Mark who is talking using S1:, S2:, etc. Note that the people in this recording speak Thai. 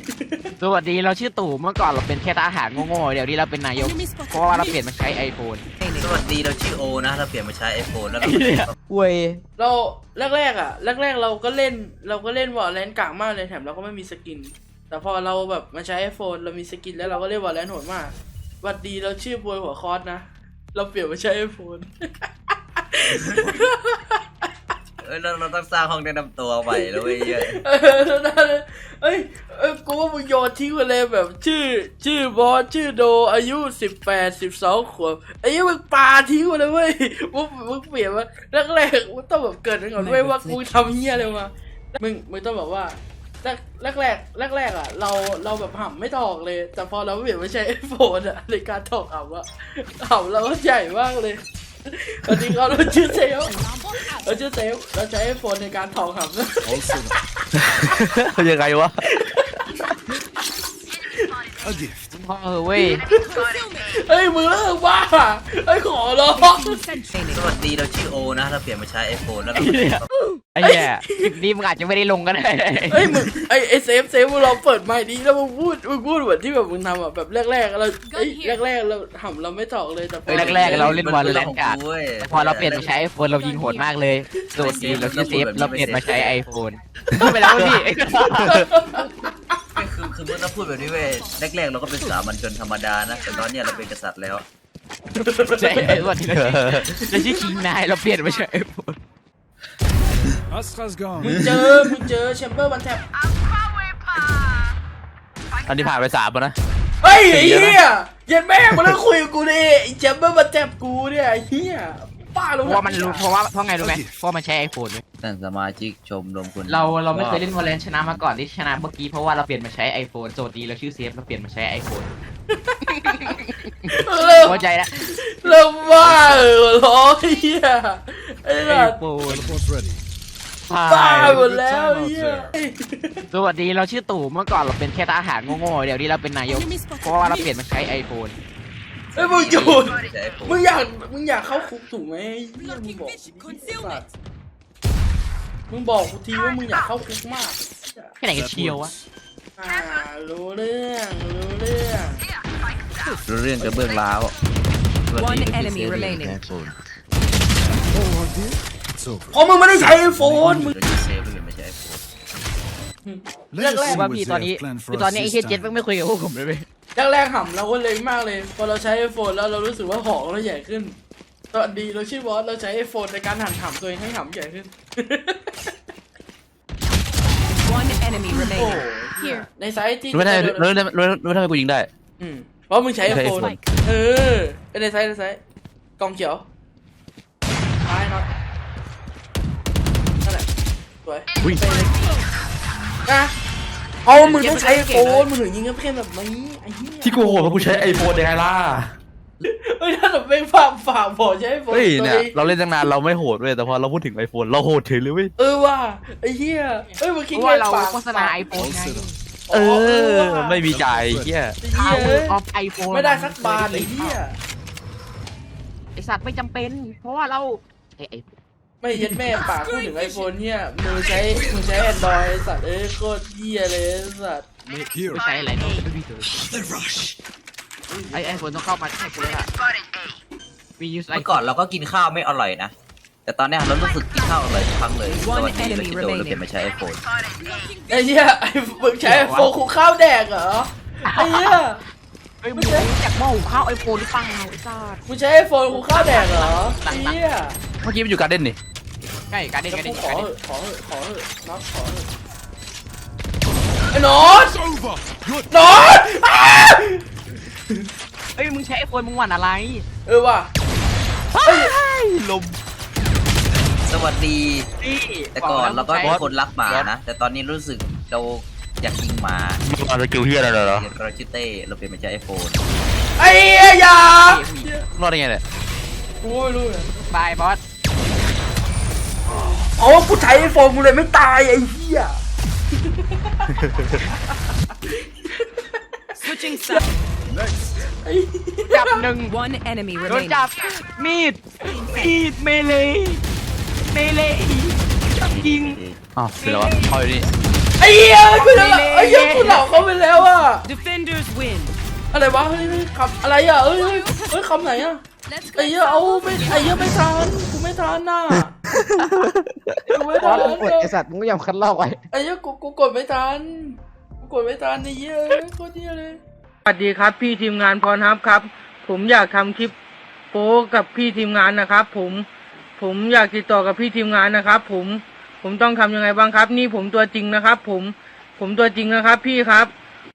S1: สวัสดีเราชื่อตู่เมื่อก่อนเราเป็นแค่ทหารโง่ๆเดี๋ยวนี้เราเป็นนายกเพราะว่าเราเปลี่ยนมาใช้ iPhone
S2: สวัสดีเราชื่อโอนะเราเปลี่ยนมาใช้ iPhone แล้วเรา
S1: เว้ย
S3: เราแรกเราก็เล่นวอลเลนกากมากเลยแถมเราก็ไม่มีสกินแต่พอเราแบบมาใช้ iPhone เรามีสกินแล้วเราก็เล่นวอลเลนโหดมากสวัสดีเราชื่อบวยหัวคอสนะเราเปลี่ยนมาใช้ iPhone
S2: เราต้องสร้างห้องแนะนำตัวใหม่แล้วเว้ย
S3: เอ้ยกูว่ามึงโยนทิ้งไปเลยแบบชื่อบอสชื่อโดอายุ18-12 ขวบไอ้ยังมึงปาทิ้งไปเลยเว้ยมึงเปลี่ยนมาแรกมึงต้องแบบเกิดก่อนเว้ยว่ากูทำเหี้ยอะไรมามึงต้องแบบว่าแรกอ่ะเราแบบห่ำไม่ถอกเลยแต่พอเราเปลี่ยนมาใช้ iPhone อ่ะในการถอกห่ำเราก็ใหญ่มากเลยตอนนี้เราชื่อเซลเราใช้ iPhone ในการถอกห่ำ
S4: ยังไงวะ
S1: พ่อเว้ย
S3: เฮ้ยมึงเลิกบ้าไอ้ขอร้อง
S2: สวัสดีเราชื่อโอนะเราเปลี่ยนมาใช้ iPhone แล้วเรา
S1: ไอ้เหี้ยคลิปนี้มึงอาจจะไม่ได้ลงก็ได้
S3: เฮ้ยมึงไอ้เซฟมึงลองเปิดไมค์ดีแล้วมึงพูดเหมือนที่แบบมึงทำอ่ะแบบแรกเราแรกเราห่ำเราไม่ถอกเลยแต่พอ
S1: แรกๆเราเล่นวอลเลนกาก
S2: เว้ย
S1: พอเราเปลี่ยนมาใช้ iPhone เรายิงโหดมากเลยสวัสดีเราชื่อเซฟเราเปลี่ยนมาใช้ iPhone ไปแล้วพี่
S2: คือเมื่อเราพูดแบบนี้เว้ยแรกๆเราก็เป็นสามัญชนธรรมดานะแต่ตอนเนี้ยเราเป็นกษัตริย์แล้ว
S1: ใช่สวัสดีเราชื่อคิงนายเราเปลี่ยนมาใช้ iPhone
S5: Astra's gone.
S3: มึงเจอแชมเบอร์วันแท็บ
S4: อันนี้ผ่านไป3แล้วนะ
S3: เฮ้ยไอ้เหี้ยเย็นแม่มาแล้วคุยกับกูดิไอ้แชมเบอร์วันแท็บกูเนี่ยไอ้เหี้ยป้ารู้
S1: เพราะว่ามันรู้เพราะไงรู้ไหมเพราะมันใช้ iPhone ด้วย
S2: ท่านสมาชิกชมรมคุณ
S1: เราไม่เคยเล่นวอลเลนชนะมาก่อนที่ชนะเมื่อกี้เพราะว่าเราเปลี่ยนมาใช้ iPhone สวัสดีเราชื่อเซฟเราเปลี่ยนมาใช้ iPhone เข้าใจแล้ว
S3: เริ่มบ้าร้องไอ้เหี้ยไอ้สัส
S1: iPhone
S5: Teleport's ready.
S3: บ้าหมดแล้วไอ้เหี้ย
S1: สวัสดีเราชื่อตู่เมื่อก่อนเราเป็นแค่ทหารโง่ๆเดี๋ยวนี้เราเป็นนายกเพราะว่าเราเปลี่ยนมาใช้ iPhone
S3: ไอ้ยมึงหยุด
S2: ใช้ iPhone
S3: มึงอยากเข้าคุกถูกไหมไอ้เหี้ยมึงบอกสัสมึงบอกกูทีว่ามึงอยากเข้าคุกมาก
S1: แค่ไหนกันเชียววะ
S3: รู้เรื่อง
S2: รู้เรื่องกับเบื้องล้าว
S6: One enemy remaining.
S5: It's over.
S3: เพราะมึงไม่ได้ใช้ไอโฟนมึง
S2: เราชื่อเซฟเราเปลี่ยนมาใช้ iPhone
S5: Let's
S3: แรก
S5: see
S1: ว่า
S5: what
S1: พี่
S5: they
S1: ตอนนี้
S5: have planned
S1: คือ
S5: for
S1: ตอน
S5: us
S1: นี้ไอ้
S5: this
S1: เฮียเจ็ด
S5: time.
S1: ไม่คุยกับพวกผมเลยเว้ย
S3: แรกห่ำเราก็เล็งมากเลยพอเราใช้ไอโฟนแล้วเรารู้สึกว่าหอกเราใหญ่ขึ้นตอนดีเราชื่อบอสเราใช้ไอโฟนในการหั่นห่ำตัวเองให้ห่ำใหญ่ขึ้น
S6: One enemy
S3: โอ้
S6: remaining.
S3: เหี้ยในไซต์ที่
S4: รู้ทำไมกูยิงได้
S3: เพราะมึงใช้ไอโฟน
S4: ใช้ iPhone
S3: ในไซต์กองเขียวท้ายน็อตนั่นแหละสวย
S4: อุ้ย
S3: นะเอามึงต้องใช้ไอโฟนมึงถึงยิงกันเพ่นแบบนี้ไอ้เหี้ย
S4: ที่กูโหดเพราะกูใช้ iPhone ยังไงล่ะ
S3: เฮ้ยถ้าแบบไม่ฝากบอกใช้ไอโฟน
S4: เฮ้ยเนี่ย
S3: ตัวอง
S4: เราเล่นตั้งนานเราไม่โหดเว้ยแต่พอเราพูดถึง iPhone เราโหดเฉยเลยเว้ย
S3: ว่ะไอ้เหี้ยเฮ้ยมึง
S1: เพ
S3: คิด
S1: ราะ
S3: ไง
S1: ว่าเรา
S3: ฝาก
S1: โฆษณา iPhone ไง
S4: เออไม่มีจ่ายเฮีย
S3: ไอ้เหี้ย
S1: Power of iPhone
S3: ไม่ได้สักบาทไอ้เหี้ย
S1: ไอสัตว์ไม่จำเป็น เพราะว่าเราไอ้
S3: ไม่เย็ดแม่ปากพูดถึงไอโฟนเนี่ยมึงใช้ Android ไอ้สัตว์โคตรเหี้ยเลยไอ้สัตว์
S5: Here.
S1: ไม่ใช้อะไรต้องเป็นพี่เถอะไอ้คนต้องเข้ามาให้กูเลยล่ะมียูสไอ
S2: เมื่อก่อนเราก็กินข้าวไม่อร่อยนะ แต่ตอนเนี้ยเรารู้สึกกินข้าวอร่อยทุกครั้งเลยสวัสดีเราชื่อโดเราเปลี่ยนมาใช้ iPhone
S3: ไอ้เหี้ยไอ้มึงใช้ไอโฟนคุกข้าวแดกเหรอไอ้เหี้ย
S1: เฮ้ยมึงอยากหม้อหุงข้าวไอโฟนหรือเปล่าไอ้สัตว์
S3: มึงใช้ไอโฟนคุกข้าวแดกเหรอไอ้เหี้ย
S4: เมื่อกี้มันอยู่การเด่นนี่
S1: ใช่การเด้น
S3: แล้ว
S1: การ
S3: กู
S1: เด้น
S3: ขอ
S1: การ
S3: เห
S1: เด้น
S3: อะขอเหอะน็อตขอเหอะไอ้น็อต
S5: Over. Good.
S3: น็อต
S1: เฮ้ยมึงใช้ไอโฟนมึงหวั่นอะไร
S3: ว่ะ
S4: ลม
S2: สวัสดี
S1: นี่
S2: แต่ก่อนเราก็เป็นคนรักหมานะ แต่ตอนนี้รู้สึกเราอยากยิงหมา
S4: มันมาสกิลเฮียอะไรเหรอ
S2: เราชื่อเต้เราเปลี่ยนมาใช้ iPhone
S3: ไอ้เหี้ยอย่าร
S4: อดได้ไงเนี่ย
S3: กูไม่รู้เลย
S1: บายบอส
S3: อ๋อกูใช้ไอโฟนกูเลยไม่ตายไอ้เหี้ย
S6: Switching sides.
S1: จับหนึ่ง
S6: One enemy
S1: โดน
S6: remaining.
S1: จับมีดเมเลจับยิง
S4: อ้าวเป็นไรวะเข้าอยู่นี่
S3: ไอ้เหี้ยกูจะไอ้เหี้ยกูเหล่าเขาไปแล้วอ่ะ
S6: Defenders win.
S3: อะไรวะเฮ้ยคำอะไรอ่ะเอ้ยคำไหนอ่ะไอ้เหี้ยเอาไม่ไอ้เหี้ยไม่ทันกูไม่ทันน่ะกูไม่
S1: บอ
S3: ทั
S1: ส
S3: น
S1: มึงกดไอสัตว์มึงก็ยอมคัดลอกไว้
S3: ไอ้เหี้ยกูกดไม่ทันกูกดไม่ทันไอ้เหี้ยโคตรเหี้ยเลยสวัสดีครับพี่ทีมงานพรฮับครับผมอยากทำคลิปโป๊กับพี่ทีมงานนะครับผมอยากติดต่อกับพี่ทีมงานนะครับผมต้องทำยังไงบ้างครับนี่ผมตัวจริงนะครับผมตัวจริงนะครับพี่ครับ